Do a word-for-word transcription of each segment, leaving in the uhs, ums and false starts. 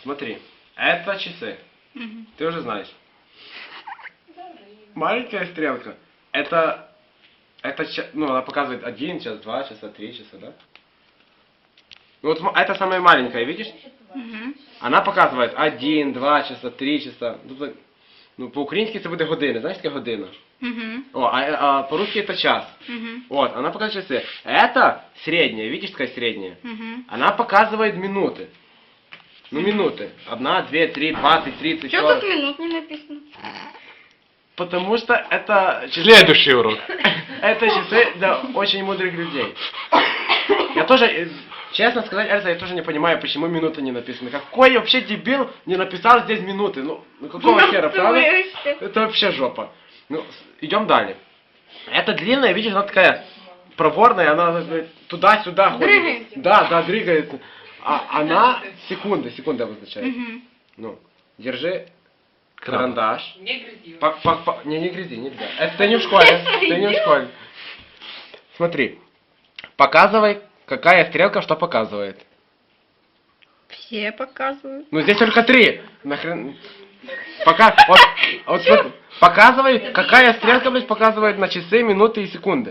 Смотри, это часы. Угу. Ты уже знаешь. Маленькая стрелка. Это, это, ча- ну, она показывает один час, два часа, три часа, да? Ну, вот см- это самая маленькая, видишь? Угу. Она показывает один, два часа, три часа. Тобто, ну, по-українськи це буде години. Знаєш, таке година? Угу. О, а, а по-русски это час. Угу. Вот, она показывает часы. Это средняя, видишь, такая средняя? Угу. Она показывает минуты. Ну, минуты. Одна, две, три, двадцать, тридцать, Что сорок. тут минут не написано? Потому что это часы... Следующий урок. Это часы для очень мудрых людей. Я тоже, э, честно сказать, Эльза, я тоже не понимаю, почему минуты не написаны. Какой вообще дебил не написал здесь минуты? Ну, ну какого хера, правда? Это вообще жопа. Ну, с- идем далее. Это длинная, видишь, она такая проворная, она э, туда-сюда ходит. Дрыгается. Да, да, двигается. А она секунды, секунды обозначает. Угу. Ну, держи Краб. карандаш. Не грызи. По- по- по- Не, не грязи, нельзя. Это ты не в школе. Ты не в школе. Смотри. Показывай, какая стрелка что показывает. Все показывают. Ну здесь только три. Нахрен. Пока. Вот, вот смотри. Показывай, какая стрелка, блядь, показывает на часы, минуты и секунды.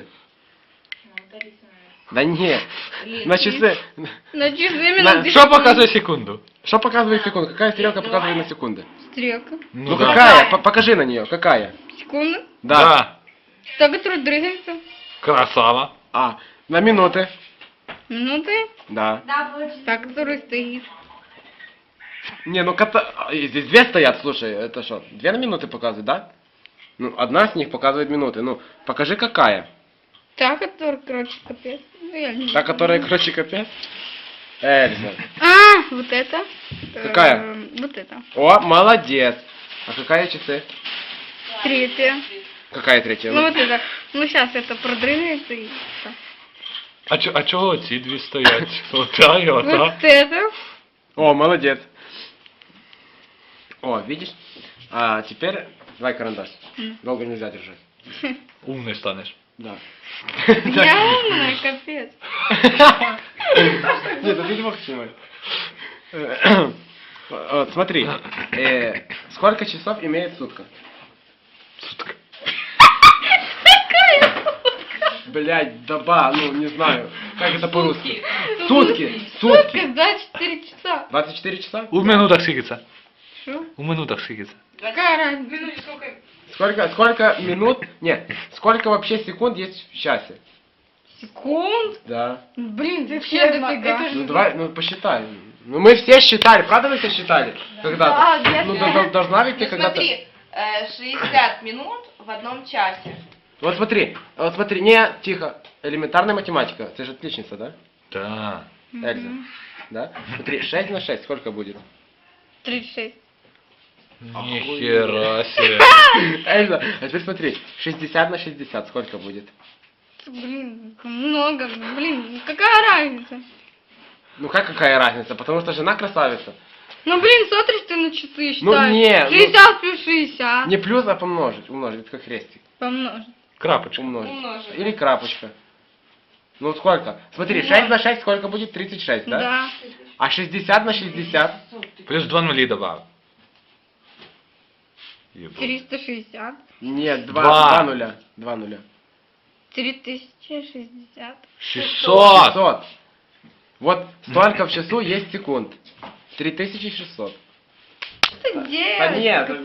Да нет. На часы. На часы На- минуты. Что показывает секунду? Что показывает секунду? Какая стрелка показывает на секунды? Стрелка. Ну да. какая? По- Покажи на нее. Какая? Секунда. Да. Та, которая дрыгается. Красава. А, на минуты. Минуты. Да. Та, которая стоит. Не, ну кота... а, и здесь две стоят, слушай, это что, две на минуты показывает, да? Ну, одна с них показывает минуты. Ну, покажи какая. Та, которая, короче, капец. Ну, я не Та, знаю. которая, короче, капец. Эльза. А, вот это. Какая? Эм, Вот это. О, молодец. А какая часы? Третья. Какая третья? Ну Ну, вот это. Ну сейчас это продрыгается и всё. А, чо, а чого ці дві стоять? Ота і ота. Вот это. О, молодец. О, видишь? А теперь давай карандаш. М. Долго нельзя держать. Умний станеш. Да. Я умная, капец. Нет, это ты не мог снимать. Э, Вот, смотри. э, Сколько часов имеет сутка? Сутка. Блять, доба, ну не знаю. Как это по-русски? Сутки. Сутки. Сутки, Сутки. да, четыре часа. двадцать четыре часа? У минутах скільки це? Что? У минутах скільки це? Какая разница? Минуте сколько? Сколько, сколько минут? Нет. Сколько вообще секунд есть в часе? Секунд? Да. Блин, вообще Ферма, дофига. это же- Ну давай, ну посчитай. Ну мы все считали, правда мы все считали? Когда-то. Да, я Ну знаю. до- до- должна ведь ты Ну когда-то. смотри, э, шестьдесят минут в одном часе. Вот смотри, вот смотри, не, тихо. Элементарная математика. Ты же отличница, да? Да. Эльза. Да? Смотри, шесть на шесть сколько будет? тридцать шесть. Ніхера себе. Эльза, а теперь смотри, шестьдесят на шестьдесят сколько будет? Блин, много. Блин, какая разница? Ну как какая разница? Потому что жена красавица. Ну блин, смотришь ты на часы считаешь. Ну, не, ну- шестьдесят плюс шестьдесят. Не плюс, а помножить. Умножить, это как крестик. Помножить. Крапочка. Умножить. Умножить. Или крапочка. Ну сколько? Смотри, шесть на шесть сколько будет? тридцать шесть, да? Да. А шестьдесят на шестьдесят? Плюс два нулі добавив. Єбать. триста шестьдесят. Нет, два, Два. два нуля. Два нуля. три тысячи шестьдесят. шістсот. шестьсот. Вот столько в часу есть секунд. три тысячи шестьсот. Что ты Да делаешь? нет,